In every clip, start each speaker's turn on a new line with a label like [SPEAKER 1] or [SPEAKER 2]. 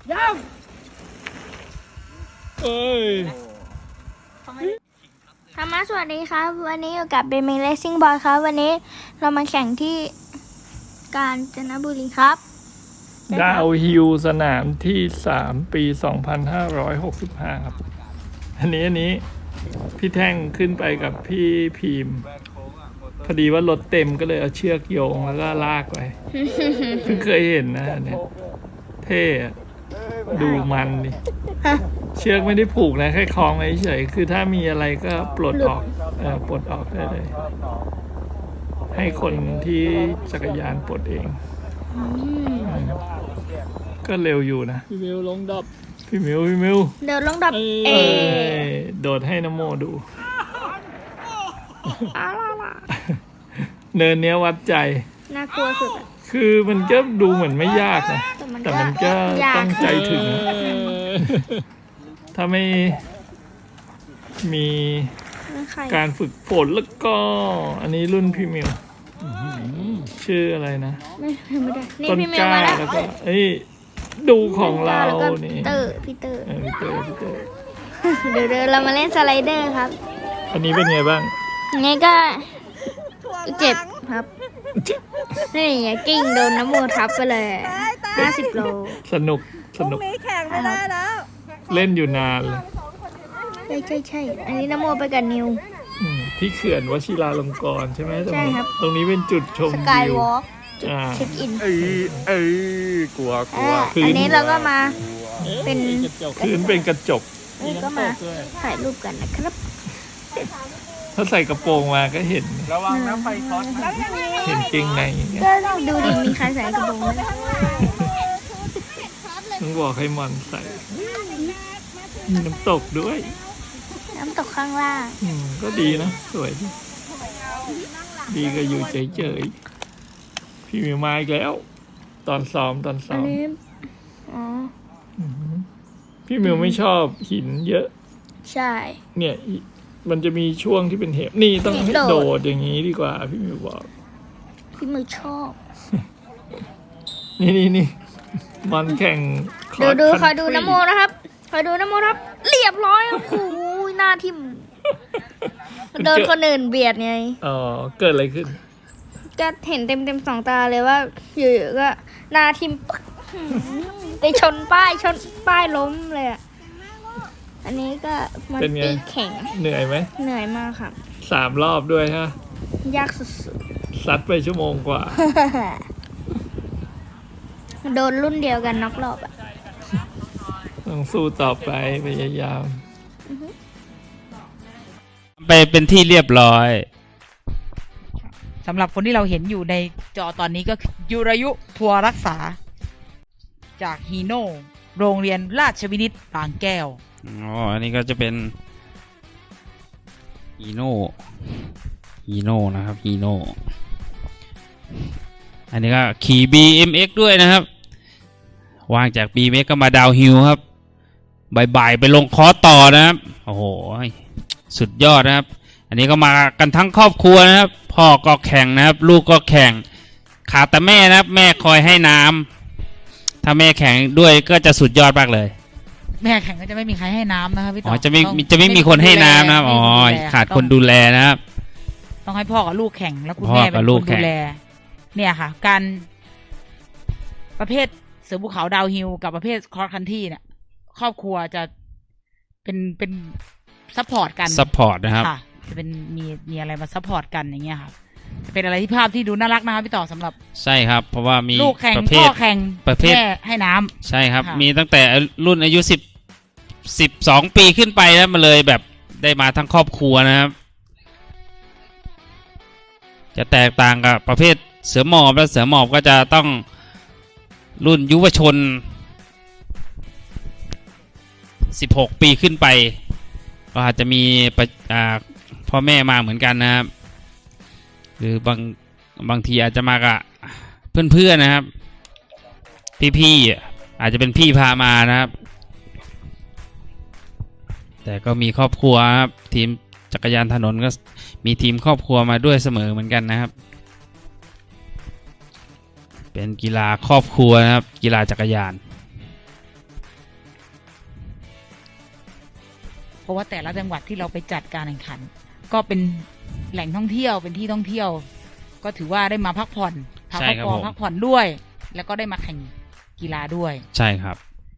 [SPEAKER 1] ยัง
[SPEAKER 2] เอ้ย
[SPEAKER 3] ธรรมะสวัสดีครับวันนี้อยู่กับเบมิเลสซิ่งบอลครับวันนี้เรามาแข่งที่กาญจนบุรีครับ
[SPEAKER 2] ดาวฮิลสนามที่3 ปี 2565 ครับอันนี้พี่แท่งขึ้นไปกับพี่พีมพอดีว่ารถเต็มก็เลยเอาเชือกโยงแล้วก็ลากไป เพิ่งเคยเห็นนะเนี่ยเท่ดูมันดิเชือกไม่ได้ผูกนะแค่คล้องไว้เฉยคือถ้ามีอะไรก็ปลดออกปลดออกได้เลยให้คนที่จักรยานปลดเองก็เร็วอยู่นะพี่มิวลงดับพี่มิว
[SPEAKER 3] เดี๋ยวลงดับ
[SPEAKER 2] โดดให้น้ำโมดูเนินเนี้ยวัดใจ
[SPEAKER 3] น่ากลัวสุด
[SPEAKER 2] คือมันก็ดูเหมือนไม่ยากนะแต่มันก็ต้องใจถึงถ้าไม่มีการฝึกฝนแล้วก็อันนี้รุ่นพี่มิวชื่ออะไรนะ
[SPEAKER 3] ไม่ได้นี่
[SPEAKER 2] ต้น
[SPEAKER 3] พี่มิว
[SPEAKER 2] กล้า
[SPEAKER 3] มาแล้ว
[SPEAKER 2] แล้วก็ดูของเรานี่
[SPEAKER 3] พี่เตอร์
[SPEAKER 2] เดี๋
[SPEAKER 3] ยวเรามาเล่นสไลเดอร์ครับ
[SPEAKER 2] อันนี้เป็นไงบ้าง
[SPEAKER 3] นี่ก็เจ็บครับนี่กิ้งโดนน้ำมูทับไปเลย50 โล
[SPEAKER 2] สนุก
[SPEAKER 1] มีแข่งไปได้แล้ว
[SPEAKER 2] เล่นอยู่นานเลย
[SPEAKER 3] ใช่อันนี้น้ำมูไปกับนิว
[SPEAKER 2] ที่เขื่อนวชิราลงกรณ์ใช่ไหม
[SPEAKER 3] ใช่ครับ
[SPEAKER 2] ตรงนี้เป็นจุดชม
[SPEAKER 3] สกายวอล์กเช็คอิน
[SPEAKER 2] กลัว
[SPEAKER 3] อันนี้เราก็มาเป็น
[SPEAKER 2] พื้นเป็นกระจก
[SPEAKER 3] ก็มาถ่ายรูปกันนะครับ
[SPEAKER 2] ถ้าใส่กระโปรงมาก็เห็น
[SPEAKER 1] ระวังนะไฟช็อต
[SPEAKER 2] เห็นเกงใน
[SPEAKER 3] ก็ดูดิมีใครใส่กระโปรงไหม
[SPEAKER 2] ต้องบอกให้มันใส่มีน้ำตกด้วย
[SPEAKER 3] น้ำตกข้างล่าง
[SPEAKER 2] ก็ดีนะสวยดีก็อยู่เฉยๆพี่มิวมาอีกแล้วตอนซ้อมพี่มิวไม่ชอบหินเยอะ
[SPEAKER 3] ใช่
[SPEAKER 2] เนี่ยมันจะมีช่วงที่เป็นเหวนี่ต้องให้โดดอย่างนี้ดีกว่าพี่มิวบอก
[SPEAKER 3] พี่มิวชอบ
[SPEAKER 2] นี่มันแข่ง
[SPEAKER 3] ดูคอยดูน้ำโมนะครับเรียบร้อยโอ้โหหน้าทิ่มโดนคนอื่นเบียดไง
[SPEAKER 2] เกิดอะไรขึ้น
[SPEAKER 3] ก็เห็นเต็ม2 ตาเลยว่าอยู่ๆก็หน้าทิ่มไปชนป้ายล้มเลยอันนี้ก็มันตีแข่ง
[SPEAKER 2] เหนื่อยไหม
[SPEAKER 3] เหนื่อยมากค่ะ
[SPEAKER 2] 3 รอบด้วยฮะ
[SPEAKER 3] ยากสุด
[SPEAKER 2] ๆซัดไปชั่วโมงกว่า
[SPEAKER 3] โดนรุ่นเดียวกันน็อกรอบ
[SPEAKER 2] ต้องสู้ต่อไปพยายาม
[SPEAKER 4] ไปเป็นที่เรียบร้อย
[SPEAKER 5] สำหรับคนที่เราเห็นอยู่ในจอตอนนี้ก็ยุรยุทัวรักษาจากฮีโน่โรงเรียนราชวินิตบางแก้ว
[SPEAKER 4] อันนี้ก็จะเป็นฮีโน่นะครับฮีโน่อันนี้ก็ขี่ BMX ด้วยนะครับวางจาก BMX ก็มาดาวฮิลครับบ่ายไปลงคอร์สต่อนะครับโอ้โหสุดยอดนะครับอันนี้ก็มากันทั้งครอบครัวนะครับพ่อก็แข่งนะครับลูกก็แข่งขาดแต่แม่นะครับแม่คอยให้น้ำถ้าแม่แข่งด้วยก็จะสุดยอดมากเลย
[SPEAKER 5] แม่แข่งก็จะไม่มีใครให้น้ำนะครับพี่ต่อ
[SPEAKER 4] จะไม่มีคนให้น้ำนะครับขาดคนดูแลนะครับ
[SPEAKER 5] ต้องให้พ่อกับลูกแข่งแล้วคุณแม่เป็นคนดูแลเนี่ยค่ะการประเภทเสือภูเขาดาวฮิลกับประเภทคอร์สคันที่เนี่ยครอบครัวจะเป็นซัพพอร์ตกัน
[SPEAKER 4] นะครับ
[SPEAKER 5] จะเป็นมีอะไรมาซัพพอร์ตกันอย่างเงี้ยค่ะเป็นอะไรที่ภาพที่ดูน่ารักนะครับพี่ต่อสำหรับ
[SPEAKER 4] ใช่ครับเพราะว่ามี
[SPEAKER 5] ลูกแข่งพ่อแข่ง
[SPEAKER 4] ประเภท
[SPEAKER 5] แม่ให้น้ำ
[SPEAKER 4] ใช่ครับมีตั้งแต่รุ่นอายุ12 ปีขึ้นไปแล้วมาเลยแบบได้มาทั้งครอบครัวนะครับจะแตกต่างกับประเภทเสือหมอบและเสือหมอบก็จะต้องรุ่นยุวชน16 ปีขึ้นไปก็อาจจะมีพ่อแม่มาเหมือนกันนะครับหรือบางทีอาจจะมากับเพื่อนๆนะครับพี่อาจจะเป็นพี่พามานะครับแต่ก็มีครอบครัวครับทีมจักรยานถนนก็มีทีมครอบครัวมาด้วยเสมอเหมือนกันนะครับเป็นกีฬาครอบครัวนะครับกีฬาจักรยาน
[SPEAKER 5] เพราะว่าแต่ละจังหวัดที่เราไปจัดการแข่งขัน ก็เป็นแหล่งท่องเที่ยวเป็นที่ท่องเที่ยว ก็ถือว่าได้มาพักผ่อนพักผ่อนพักผ่อนด้วย แล้วก็ได้มาแข่งกีฬาด้วย
[SPEAKER 4] ใช่ครับ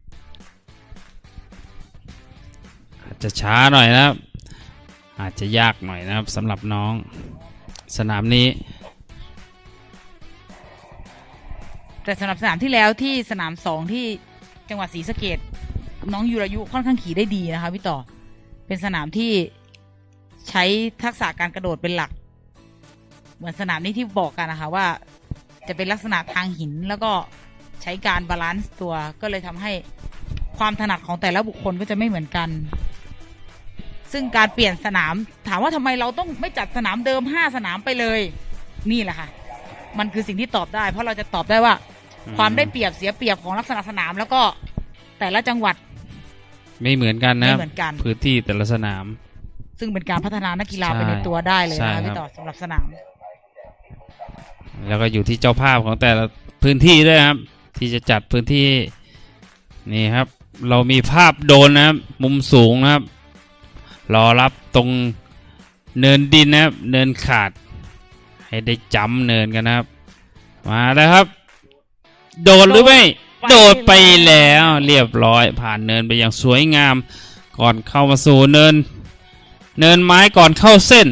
[SPEAKER 4] อาจจะช้าหน่อยนะครับ อาจจะยากหน่อยนะครับสำหรับน้องสนามนี้
[SPEAKER 5] แต่สำหรับสนามที่แล้วที่สนาม2ที่จังหวัดศรีสะเกษน้องยูรายุค่อนข้างขี่ได้ดีนะคะพี่ต่อเป็นสนามที่ใช้ทักษะการกระโดดเป็นหลัก เหมือนสนามนี้ที่บอกกันนะคะว่าจะเป็นลักษณะทางหินแล้วก็ใช้การบาลานซ์ตัวก็เลยทำให้ความถนัดของแต่ละบุคคลก็จะไม่เหมือนกัน ซึ่งการเปลี่ยนสนามถามว่าทำไมเราต้องไม่จัดสนามเดิม5สนามไปเลยนี่แหละค่ะมันคือสิ่งที่ตอบได้เพราะเราจะตอบได้ว่าความได้เปรียบเสียเปรียบของลักษณะสนามแล้วก็แต่ละจังหวัด
[SPEAKER 4] ไม่เหมือนกันนะครับ
[SPEAKER 5] ไม่เหมือนกัน
[SPEAKER 4] พื้นที่แต่ละสนาม
[SPEAKER 5] ซึ่งเป็นการพัฒนานักกีฬาไปในตัวได้เลยนะพี่ต่อสำหรับสนาม
[SPEAKER 4] แล้วก็อยู่ที่เจ้าภาพของแต่ละพื้นที่ด้วยครับที่จะจัดพื้นที่นี่ครับ เรามีภาพโดรนนะครับมุมสูงนะครับรอรับตรงเนินดินนะครับเนินขาดให้ได้จำเนินกันนะครับมาแล้วครับโดดหรือไม่โดดไปแล้วเรียบร้อยผ่านเนินไปอย่างสวยงามก่อนเข้ามาสู่เนินไม้ก่อนเข้าเส้น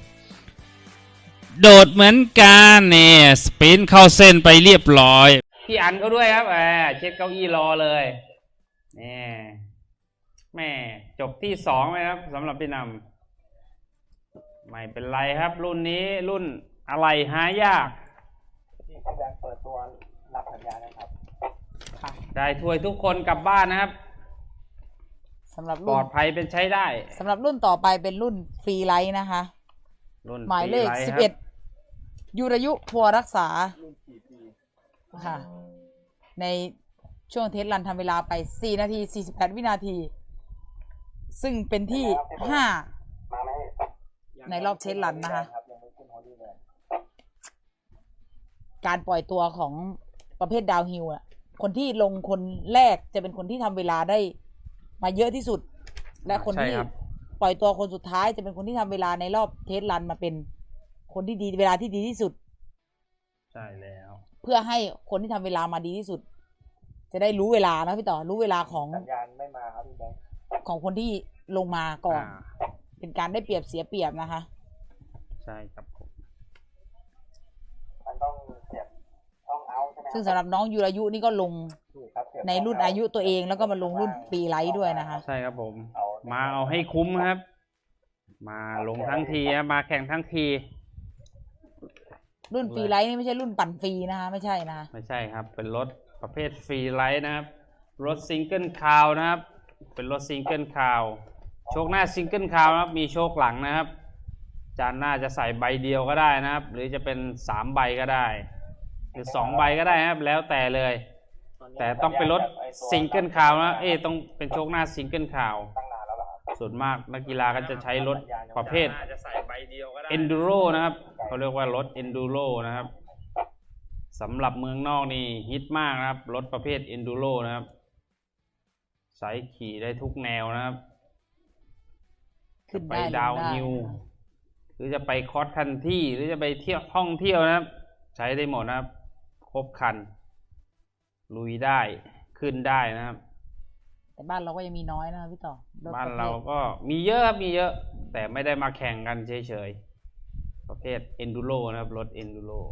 [SPEAKER 4] โดดเหมือนกันเนี่ยสปรินต์เข้าเส้นไปเรียบร้อยพี่อันก็ด้วยครับเช็ดเก้าอี้รอเลยนี่แม่จบที่2ไหมครับสำหรับพี่นำไม่เป็นไรครับรุ่นนี้รุ่นอะไรหายากที่กำลังเปิดตัวรับสัญญานะครับได้ถ้วยทุกคนกลับบ้านนะครับ
[SPEAKER 5] สำหรับ
[SPEAKER 4] ปลอดภัยเป็นใช้ได้
[SPEAKER 5] สำหรับรุ่นต่อไปเป็นรุ่นฟรีไลท์นะคะหมายเลข11ยูรายุพัวรักษาค่ะในช่วงเทสรันทำเวลาไป4 นาที 48 วินาทีซึ่งเป็นที่5ในรอบเทสรันนะคะการปล่อยตัวของประเภทดาวฮิลอ่ะคนที่ลงคนแรกจะเป็นคนที่ทำเวลาได้มาเยอะที่สุดและคนที่ปล่อยตัวคนสุดท้ายจะเป็นคนที่ทำเวลาในรอบเทสรันมาเป็นคนที่ดีเวลาที่ดีที่สุด
[SPEAKER 4] ใช่แล้ว
[SPEAKER 5] เพื่อให้คนที่ทำเวลามาดีที่สุดจะได้รู้เวลานะพี่ต่อรู้เวลาของสัญญาณไม่มาครับพี่แบงค์ของคนที่ลงมาก่อนเป็นการได้เปรียบเสียเปรียบนะคะ
[SPEAKER 4] ใช่ครับผม
[SPEAKER 5] มันต้องเสียบต้องเอาใช่ไหมซึ่งสำหรับน้องยูรายุนี่ก็ลงในรุ่นอายุตัวเองแล้วก็มาลงรุ่นฟรีไลท์ด้วยนะคะ
[SPEAKER 4] ใช่ครับผมมาเอาให้คุ้มครับมาลงทั้งทีมาแข่งทั้งที
[SPEAKER 5] รุ่นฟรีไลท์นี่ไม่ใช่รุ่นปั่นฟรีนะคะไม่ใช่นะ
[SPEAKER 4] ไม่ใช่ครับเป็นรถประเภทฟรีไลท์นะครับรถซิงเกิลคาวนะครับเป็นรถซิงเกิลคาวโชคหน้าซิงเกิลคาวนะครับมีโชคหลังนะครับจานหน้าจะใส่ใบเดียวก็ได้นะครับหรือจะเป็น3ใบก็ได้หรือ2ใบก็ได้ครับแล้วแต่เลยแต่ต้องเป็นรถซิงเกิลคาวนะต้องเป็นโชคหน้าซิงเกิลคาวส่วนมากนักกีฬาก็จะใช้รถประเภท Enduro นะครับเขาเรียกว่ารถ Enduro นะครับสำหรับเมืองนอกนี่ฮิตมากนะครับรถประเภท Enduro นะครับใช้ขี่ได้ทุกแนวนะครับจะไปดาวฮิลหรือจะไปคอสคันที่หรือจะไปเที่ยวท่องเที่ยวนะครับใช้ได้หมดนะครับครบคันลุยได้ขึ้นได้นะครับ
[SPEAKER 5] แต่บ้านเราก็ยังมีน้อยนะพี่ต่อ
[SPEAKER 4] บ้านเราก็มีเยอะครับมีเยอะแต่ไม่ได้มาแข่งกันเฉยๆประเภท Enduro นะครับรถ Enduro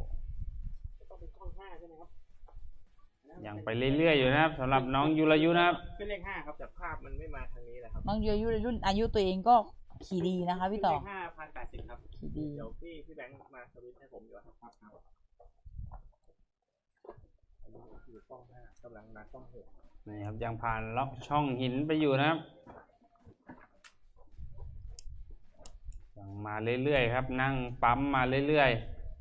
[SPEAKER 4] อย่างไปเรื่อยๆอยู่นะครับสำหรับน้องยูรายุนะครับ
[SPEAKER 1] เป็นเลข5ครับแต่ภาพมันไม่มาทางนี้แหละครับ
[SPEAKER 5] น้องยูรายุรุ่นอายุตัวเองก็ขี่ดีนะคะพี่ต่อ
[SPEAKER 1] เลข5,080ครับ
[SPEAKER 5] ขี่ดี
[SPEAKER 1] เดี๋ยวพี่แบงค์มาสวิตช์ให้ผมดีกว่าครับอยู่ช่อง5กำลังมาช่อง6
[SPEAKER 4] นี่ครับยังผ่านล็อกช่องหินไปอยู่นะครับยังมาเรื่อยๆครับนั่งปั๊มมาเรื่อย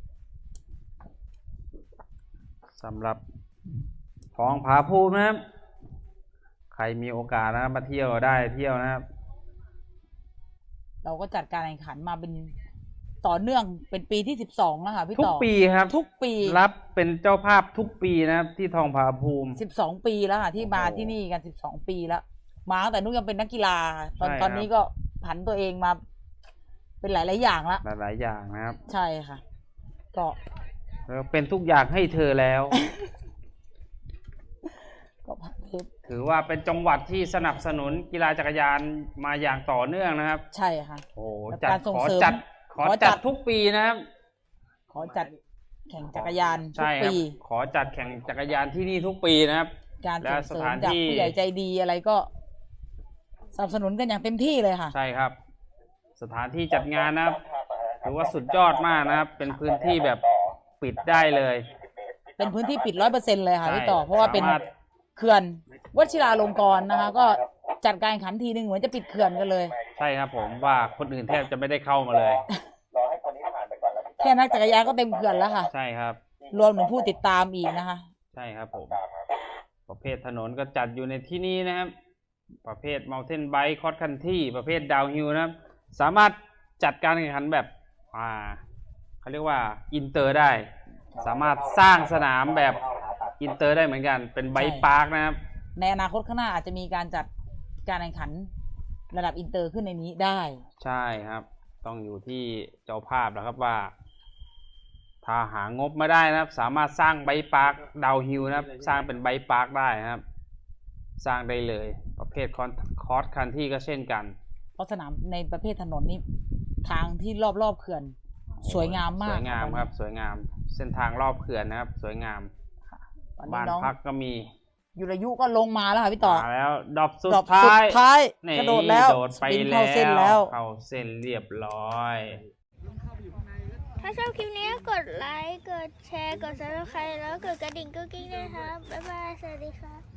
[SPEAKER 4] ๆสำหรับทองผาภูมินะครับใครมีโอกาสนะครับมาเที่ยวได้เที่ยวนะครับ
[SPEAKER 5] เราก็จัดการแข่งขันมาเป็นต่อเนื่องเป็นปีที่12แล้วค่ะพี่ต่อ
[SPEAKER 4] ทุกปีครับ
[SPEAKER 5] ทุกปี
[SPEAKER 4] รับเป็นเจ้าภาพทุกปีนะครับที่ทองผาภูมิ
[SPEAKER 5] 12ปีแล้วค่ะที่มาที่นี่กัน12ปีแล้วมาตั้งแต่นุกยังเป็นนักกีฬาตอน
[SPEAKER 4] ใช่ครับ
[SPEAKER 5] ตอนนี้ก็ผันตัวเองมา เป็นหลายๆอย่างละ
[SPEAKER 4] หลายๆอย่างนะครับ
[SPEAKER 5] ใช่ค่ะ ก็
[SPEAKER 4] แล้วเป็นทุกอย่างให้เธอแล้ว
[SPEAKER 5] ก็ผันเทป
[SPEAKER 4] ถือว่าเป็นจังหวัดที่สนับสนุนกีฬาจักรยานมาอย่างต่อเนื่องนะครับ
[SPEAKER 5] ใช่ค่ะ
[SPEAKER 4] โอ้โห
[SPEAKER 5] และ
[SPEAKER 4] จัด
[SPEAKER 5] การส่ง
[SPEAKER 4] ขอ
[SPEAKER 5] เสริม
[SPEAKER 4] จัด
[SPEAKER 5] ขอจัด
[SPEAKER 4] ทุกปีนะครับ
[SPEAKER 5] ขอจัดแข่งจักรยานทุ
[SPEAKER 4] ใช่
[SPEAKER 5] ก
[SPEAKER 4] ครับ
[SPEAKER 5] ปี
[SPEAKER 4] ขอจัดแข่งจักรยานที่นี่ทุกปีนะครับ
[SPEAKER 5] การส่งเสริ
[SPEAKER 4] และส
[SPEAKER 5] ม
[SPEAKER 4] ถาน
[SPEAKER 5] จาก
[SPEAKER 4] ที่
[SPEAKER 5] ผู้ใหญ่ใจดีอะไรก็สนับสนุนกันอย่างเต็มที่เลยค่ะ
[SPEAKER 4] ใช่ครับ สถานที่จัดงานนะครับถือว่าสุดยอดมากนะครับ เป็นพื้นที่แบบปิดได้เลย
[SPEAKER 5] เป็นพื้นที่ปิด100%เลยค่ะ
[SPEAKER 4] ใช่
[SPEAKER 5] พี่ต่อเพราะว่าเป็น
[SPEAKER 4] สามารถ
[SPEAKER 5] เขื่อนวชิราลงกรณ์นะคะ ก็จัดการแข่งขันทีนึงเหมือนจะปิดเขื่อนกันเลย
[SPEAKER 4] ใช่ครับผมว่าคนอื่นแทบจะไม่ได้เข้ามาเลย
[SPEAKER 5] แค่นักจักรยานก็เต็มเขื่อนแล้วค่ะ
[SPEAKER 4] ใช่ครับ
[SPEAKER 5] รวมถึงผู้ติดตามอีกนะคะ
[SPEAKER 4] ใช่ครับผม ประเภทถนนก็จัดอยู่ในที่นี้นะครับ ประเภท Mountain Bike Cross Country ประเภท Downhill นะครับ สามารถจัดการแข่งขันแบบเขาเรียกว่าอินเตอร์ได้ สามารถสร้างสนามแบบอินเตอร์ได้เหมือนกัน เป็นไบค์พาร์คนะครับ
[SPEAKER 5] ในอนาคตข้างหน้าอาจจะมีการจัดการแข่งขันระดับอินเตอร์ขึ้นในนี้ได้
[SPEAKER 4] ใช่ครับ ต้องอยู่ที่เจ้าภาพแล้วครับว่า ถ้าหางบมาได้นะครับ สามารถสร้างไบค์พาร์คดาวฮิลนะครับ สร้างเป็นไบค์พาร์คได้นะครับ สร้างได้เลย ประเภทคอร์สคันที่ก็เช่นกัน
[SPEAKER 5] เพราะสนามในประเภทถนนนี่ทางที่รอบๆเขื่อนสวยงามมาก
[SPEAKER 4] สวยงามครับ สวยงาม เส้นทางรอบเขื่อนนะครับ สวยงาม
[SPEAKER 5] ตอนนี้
[SPEAKER 4] บ้าน
[SPEAKER 5] น้อง
[SPEAKER 4] พักก็มี
[SPEAKER 5] ยุรยุก็ลงมาแล้วค่ะพี่ต่อ
[SPEAKER 4] มาแล้วดรอปสุ
[SPEAKER 5] ดรอ
[SPEAKER 4] ด
[SPEAKER 5] ปสุ
[SPEAKER 4] ท้า
[SPEAKER 5] ด
[SPEAKER 4] ย
[SPEAKER 5] ท้าย
[SPEAKER 4] นี่
[SPEAKER 5] กระโดดแล้ว
[SPEAKER 4] โดดไป
[SPEAKER 5] สปิน
[SPEAKER 4] แล้
[SPEAKER 5] เข้าเส้นแล้ว
[SPEAKER 4] เข้าเส้นเรียบร้อย
[SPEAKER 3] ถ้าชอบคลิปนี้กดไลค์ กดแชร์ กด subscribe แล้วกดกระดิ่งกุ๊กกิ๊งด้วยครับ บ๊ายบาย สวัสดีครับ